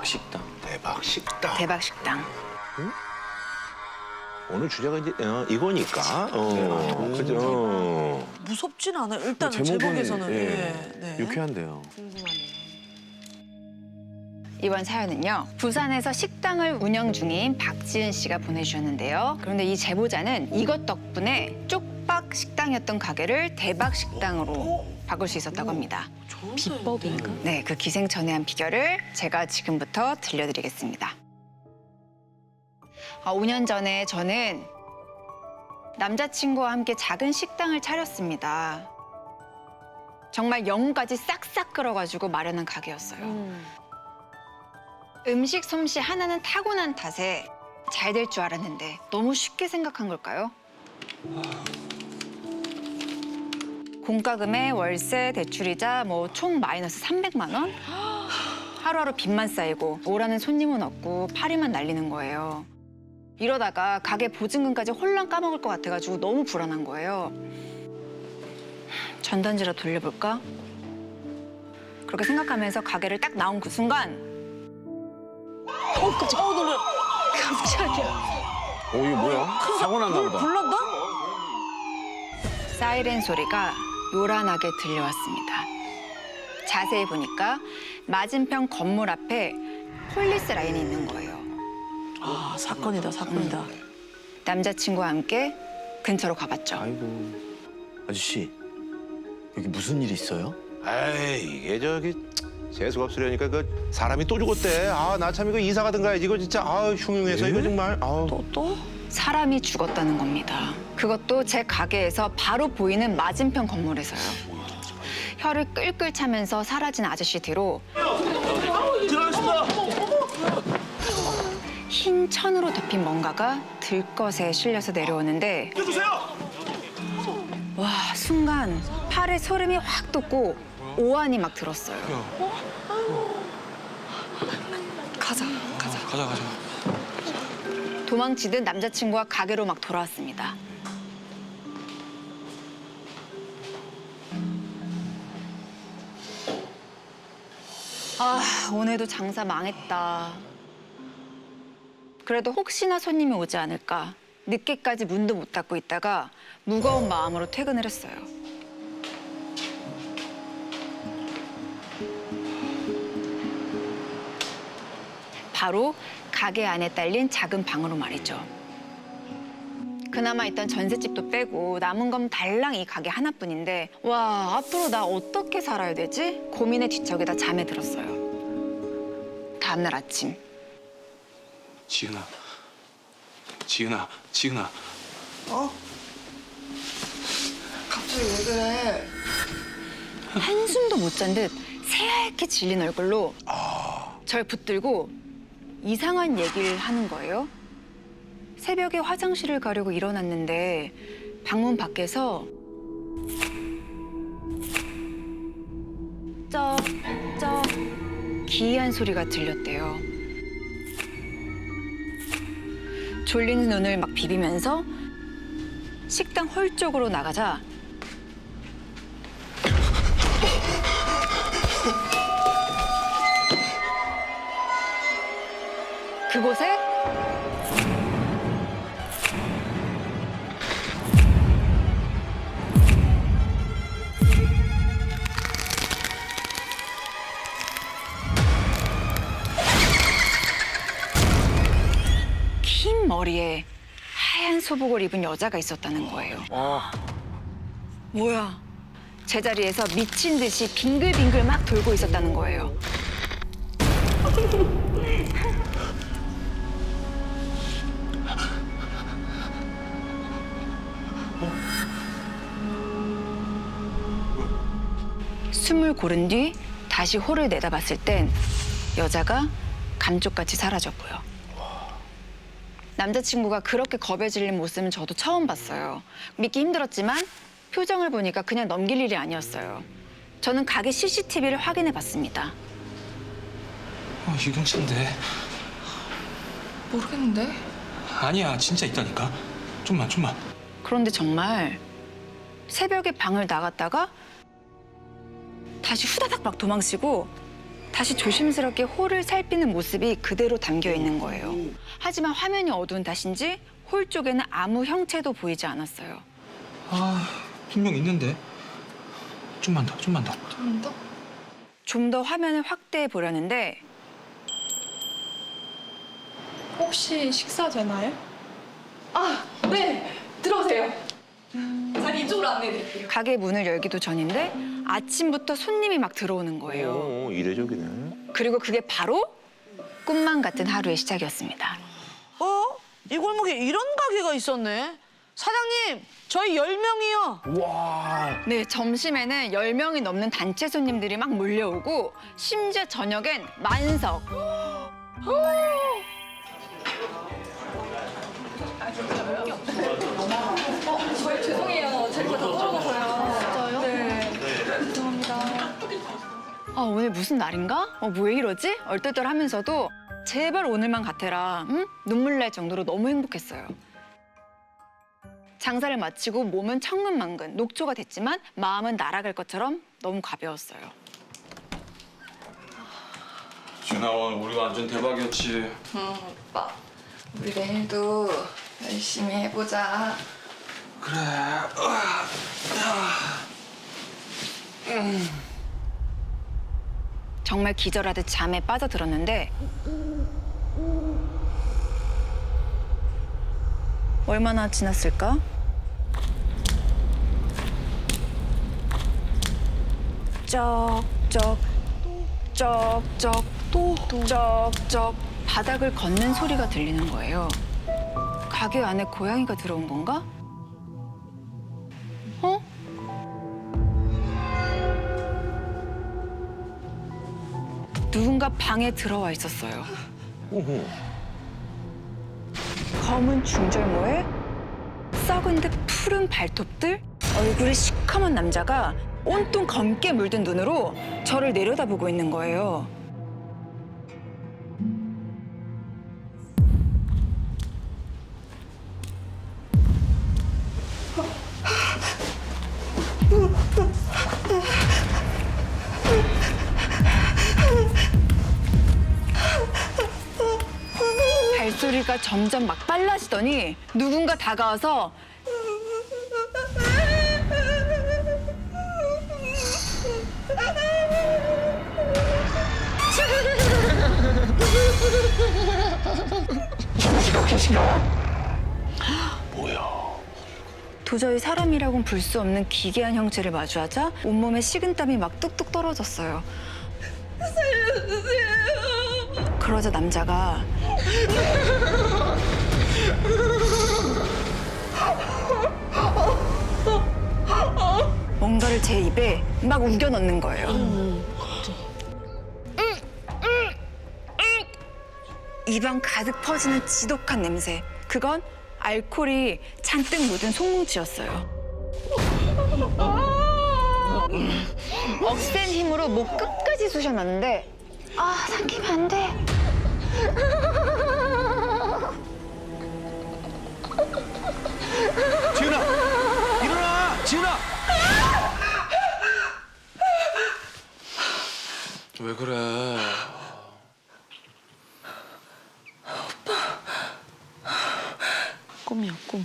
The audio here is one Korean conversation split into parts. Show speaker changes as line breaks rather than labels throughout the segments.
대박 식당.
대박 식당.
대박 식당.
오늘 주제가 이제 이거니까. 그죠.
무섭진 않아요. 일단
제목은,
제목에서는.
예,
네.
유쾌한데요.
이번 사연은요, 부산에서 식당을 운영 중인 박지은 씨가 보내주셨는데요. 그런데 이 제보자는 이것 덕분에 쪽박 식당이었던 가게를 대박 식당으로 바꿀 수 있었다고 합니다.
비법인가?
네, 그 기생천외한 비결을 제가 지금부터 들려드리겠습니다. 5년 전에 저는 남자친구와 함께 작은 식당을 차렸습니다. 정말 영혼까지 싹싹 끌어가지고 마련한 가게였어요. 음식 솜씨 하나는 타고난 탓에 잘 될 줄 알았는데 너무 쉽게 생각한 걸까요? 공과금에 월세, 대출이자 총 마이너스 300만 원? 하루하루 빚만 쌓이고 오라는 손님은 없고 파리만 날리는 거예요. 이러다가 가게 보증금까지 홀랑 까먹을 것 같아가지고 너무 불안한 거예요. 전단지라 돌려볼까? 그렇게 생각하면서 가게를 딱 나온 그 순간
깜짝이야. 놀래. 깜짝이야.
오, 이게 뭐야? 사고 났나 보다.
불난다?
사이렌 소리가 요란하게 들려왔습니다. 자세히 보니까 맞은편 건물 앞에 폴리스 라인이 있는 거예요.
아, 사건이다, 사건이다.
남자친구와 함께 근처로 가봤죠.
아이고. 아저씨, 여기 무슨 일 있어요?
에이, 이게 저기 재수가 없으려니까 그 사람이 또 죽었대. 아, 나 참 이거 이사 가든 가야지. 이거 진짜 흉흉해서 이거 정말.
또?
사람이 죽었다는 겁니다. 그것도 제 가게에서 바로 보이는 맞은편 건물에서요. 혀를 끌끌 차면서 사라진 아저씨 뒤로 흰 천으로 덮인 뭔가가 들것에 실려서 내려오는데 와, 순간 팔에 소름이 확 돋고 오한이 막 들었어요.
가자.
도망치듯 남자친구와 가게로 막 돌아왔습니다. 아, 오늘도 장사 망했다. 그래도 혹시나 손님이 오지 않을까 늦게까지 문도 못 닫고 있다가 무거운 마음으로 퇴근을 했어요. 바로 가게 안에 딸린 작은 방으로 말이죠. 그나마 있던 전셋집도 빼고 남은 건 달랑 이 가게 하나뿐인데 와, 앞으로 나 어떻게 살아야 되지? 고민의 뒤척이다 잠에 들었어요. 다음날 아침
지은아.
갑자기 왜 그래?
한숨도 못 잔 듯 새하얗게 질린 얼굴로 절 붙들고 이상한 얘기를 하는 거예요. 새벽에 화장실을 가려고 일어났는데 방문 밖에서 쩍쩍 기이한 소리가 들렸대요. 졸린 눈을 막 비비면서 식당 홀 쪽으로 나가자 그곳에 긴 머리에 하얀 소복을 입은 여자가 있었다는 거예요. 뭐야? 제자리에서 미친 듯이 빙글빙글 막 돌고 있었다는 거예요. 숨을 고른 뒤 다시 홀을 내다봤을 땐 여자가 감쪽같이 사라졌고요. 남자친구가 그렇게 겁에 질린 모습은 저도 처음 봤어요. 믿기 힘들었지만 표정을 보니까 그냥 넘길 일이 아니었어요. 저는 가게 CCTV를 확인해 봤습니다.
유경찬데.
모르겠는데?
아니야, 진짜 있다니까. 좀만.
그런데 정말 새벽에 방을 나갔다가 다시 후다닥 막 도망치고 다시 조심스럽게 홀을 살피는 모습이 그대로 담겨 있는 거예요. 하지만 화면이 어두운 탓인지 홀 쪽에는 아무 형체도 보이지 않았어요.
아, 분명 있는데. 좀만 더, 좀만 더.
좀 더 화면을 확대해 보려는데
혹시 식사 되나요? 아, 네. 들어오세요. 자리 이쪽으로 안내해드릴게요.
가게 문을 열기도 전인데 아침부터 손님이 막 들어오는 거예요.
이례적이네.
그리고 그게 바로 꿈만 같은 하루의 시작이었습니다.
어? 이 골목에 이런 가게가 있었네. 사장님, 저희 10명이요.
네, 점심에는 10명이 넘는 단체 손님들이 막 몰려오고 심지어 저녁엔 만석.
저희 죄송해요. 자리가 다 떨어져서요. 진짜요? 네. 죄송합니다.
아, 오늘 무슨 날인가? 왜 이러지? 얼떨떨하면서도 제발 오늘만 같아라. 응? 눈물 날 정도로 너무 행복했어요. 장사를 마치고 몸은 천근만근, 녹초가 됐지만 마음은 날아갈 것처럼 너무 가벼웠어요.
지은아, 우리 완전 대박이었지.
오빠, 우리 내일도 열심히 해보자.
그래.
정말 기절하듯 잠에 빠져들었는데 얼마나 지났을까? 쩍쩍 쩍쩍 또 쩍쩍 바닥을 걷는 소리가 들리는 거예요. 가게 안에 고양이가 들어온 건가? 어? 누군가 방에 들어와 있었어요. 검은 중절모에 썩은 듯 푸른 발톱들, 얼굴이 시커먼 남자가 온통 검게 물든 눈으로 저를 내려다보고 있는 거예요. 발소리가 점점 막 빨라지더니 누군가 다가와서 도저히 사람이라고는 볼 수 없는 기괴한 형체를 마주하자 온몸에 식은땀이 막 뚝뚝 떨어졌어요. 살려주세요. 그러자 남자가 뭔가를 제 입에 막 우겨 넣는 거예요. 입안 가득 퍼지는 지독한 냄새. 그건 알코올이 잔뜩 묻은 송뭉치였어요. 억센 힘으로 목 끝까지 쑤셔놨는데 삼키면 안 돼.
지은아! 일어나! 지은아!
왜 그래?
꿈이야, 꿈.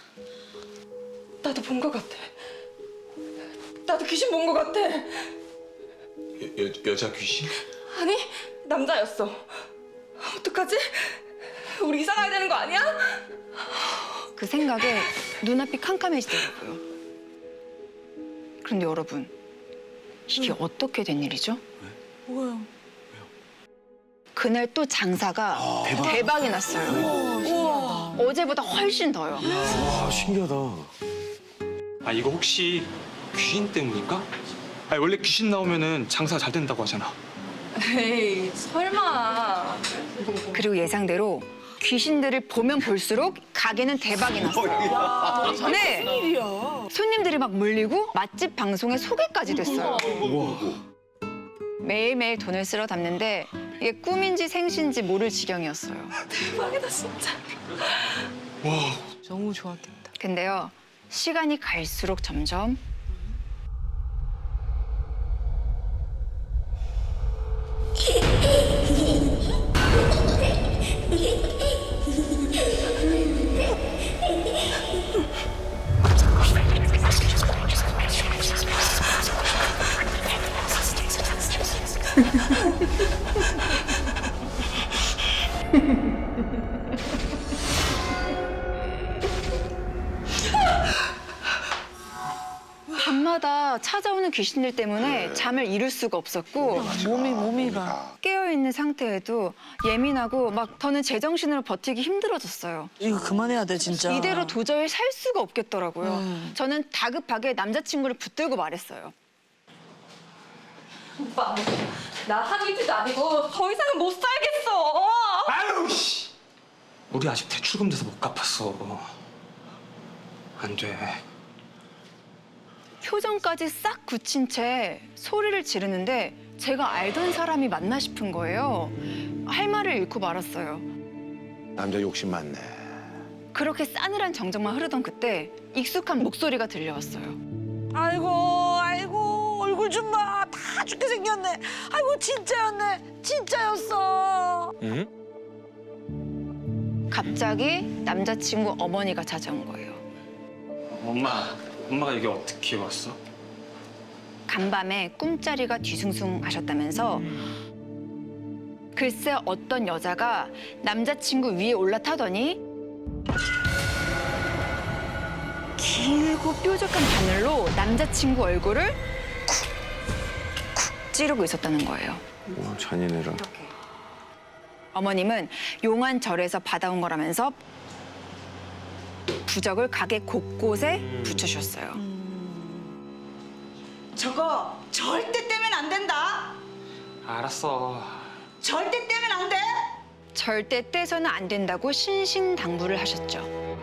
나도 본 것 같아. 나도 귀신 본 것 같아.
여자 귀신?
아니, 남자였어. 어떡하지? 우리 이사 가야 되는 거 아니야?
그 생각에 눈앞이 캄캄해지더라고요. 그런데 여러분, 이게 어떻게 된 일이죠?
뭐야?
그날 또 장사가 대박이 났어요. 어제보다 훨씬 더요.
와, 신기하다.
아, 이거 혹시 귀신 때문인가? 아니, 원래 귀신 나오면은 장사 잘 된다고 하잖아.
에이, 설마.
그리고 예상대로 귀신들을 보면 볼수록 가게는 대박이 났어요. 네,
일이야.
손님들이 막 몰리고 맛집 방송에 소개까지 됐어요. 매일매일 돈을 쓸어 담는데 이게 꿈인지 생신지 모를 지경이었어요.
대박이다, 진짜.
너무 좋았겠다.
근데요, 시간이 갈수록 점점 밤마다 찾아오는 귀신들 때문에 잠을 이룰 수가 없었고
몸이가.
깨어있는 상태에도 예민하고 막 더는 제정신으로 버티기 힘들어졌어요.
이거 그만해야 돼 진짜.
이대로 도저히 살 수가 없겠더라고요. 저는 다급하게 남자친구를 붙들고 말했어요.
오빠, 나 한이지도 아니고 더 이상은 못 살겠어.
아유 씨. 우리 아직 대출금 돼서 못 갚았어. 안 돼.
표정까지 싹 굳힌 채 소리를 지르는데 제가 알던 사람이 맞나 싶은 거예요. 할 말을 잃고 말았어요.
남자 욕심 많네.
그렇게 싸늘한 정적만 흐르던 그때 익숙한 목소리가 들려왔어요.
아이고 얼굴 좀 봐. 다 죽게 생겼네. 아이고 진짜였네. 진짜였어.
응?
갑자기 남자친구 어머니가 찾아온 거예요.
엄마가 여기 어떻게 왔어?
간밤에 꿈자리가 뒤숭숭 하셨다면서 글쎄 어떤 여자가 남자친구 위에 올라타더니 길고 뾰족한 바늘로 남자친구 얼굴을 쿡쿡 찌르고 있었다는 거예요.
와, 잔인해라.
어머님은 용안절에서 받아온 거라면서 부적을 가게 곳곳에 붙여주셨어요.
저거 절대 떼면 안 된다.
알았어.
절대 떼면 안 돼.
절대 떼서는 안 된다고 신신당부를 하셨죠.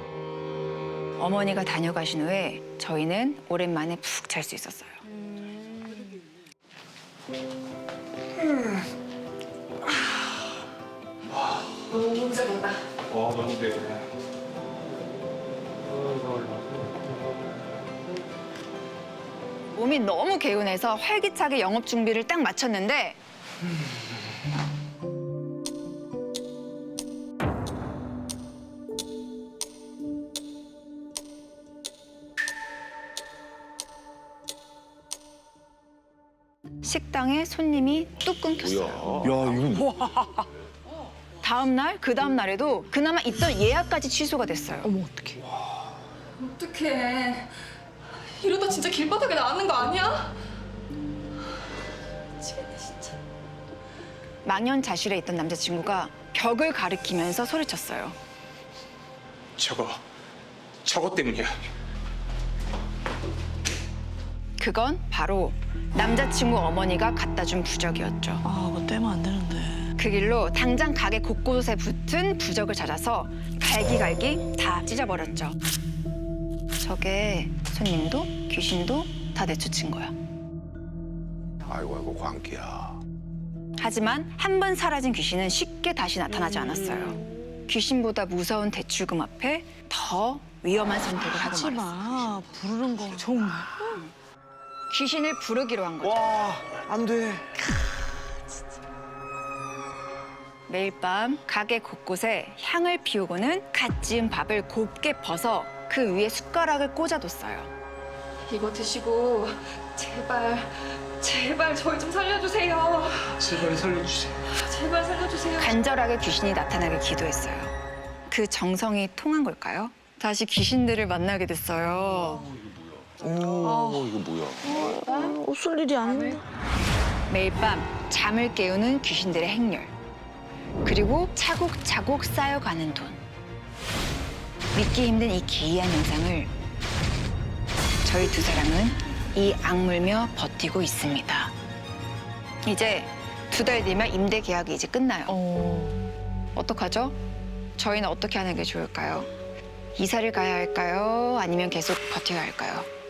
어머니가 다녀가신 후에 저희는 오랜만에 푹 잘 수 있었어요.
너무 잘한다.
너무 돼.
몸이 너무 개운해서 활기차게 영업 준비를 딱 마쳤는데 식당에 손님이 뚝 끊겼어요.
뭐야?
야, 이거
다음 날, 그 다음 날에도 그나마 있던 예약까지 취소가 됐어요.
어떡해. 이러다 진짜 길바닥에 나가는 거 아니야? 미치겠네 진짜.
망연자실해 있던 남자친구가 벽을 가리키면서 소리쳤어요.
저거 때문이야.
그건 바로 남자친구 어머니가 갖다 준 부적이었죠.
아 그거 떼면 안 되는데.
그 길로 당장 가게 곳곳에 붙은 부적을 찾아서 갈기갈기 다 찢어버렸죠. 저게 손님도 귀신도 다 내쫓은 거야.
아이고 광기야.
하지만 한 번 사라진 귀신은 쉽게 다시 나타나지 않았어요. 귀신보다 무서운 대출금 앞에 더 위험한 선택을 하고
하지
말았어요.
마. 부르는 거 정말.
귀신을 부르기로 한 거죠.
와, 안 돼.
매일 밤 가게 곳곳에 향을 피우고는 갓 지은 밥을 곱게 벗어 그 위에 숟가락을 꽂아뒀어요.
이거 드시고 제발 저희 좀 살려주세요.
제발 살려주세요.
제발 살려주세요.
간절하게 귀신이 나타나길 기도했어요. 그 정성이 통한 걸까요? 다시 귀신들을 만나게 됐어요.
오, 이거 뭐야?
웃을 일이 아닌데.
매일 밤 잠을 깨우는 귀신들의 행렬. 그리고 차곡차곡 쌓여가는 돈. 믿기 힘든 이 기이한 영상을 저희 두 사람은 이 악물며 버티고 있습니다. 이제 2달 뒤면 임대 계약이 이제 끝나요. 어떡하죠? 저희는 어떻게 하는 게 좋을까요? 이사를 가야 할까요? 아니면 계속 버텨야 할까요?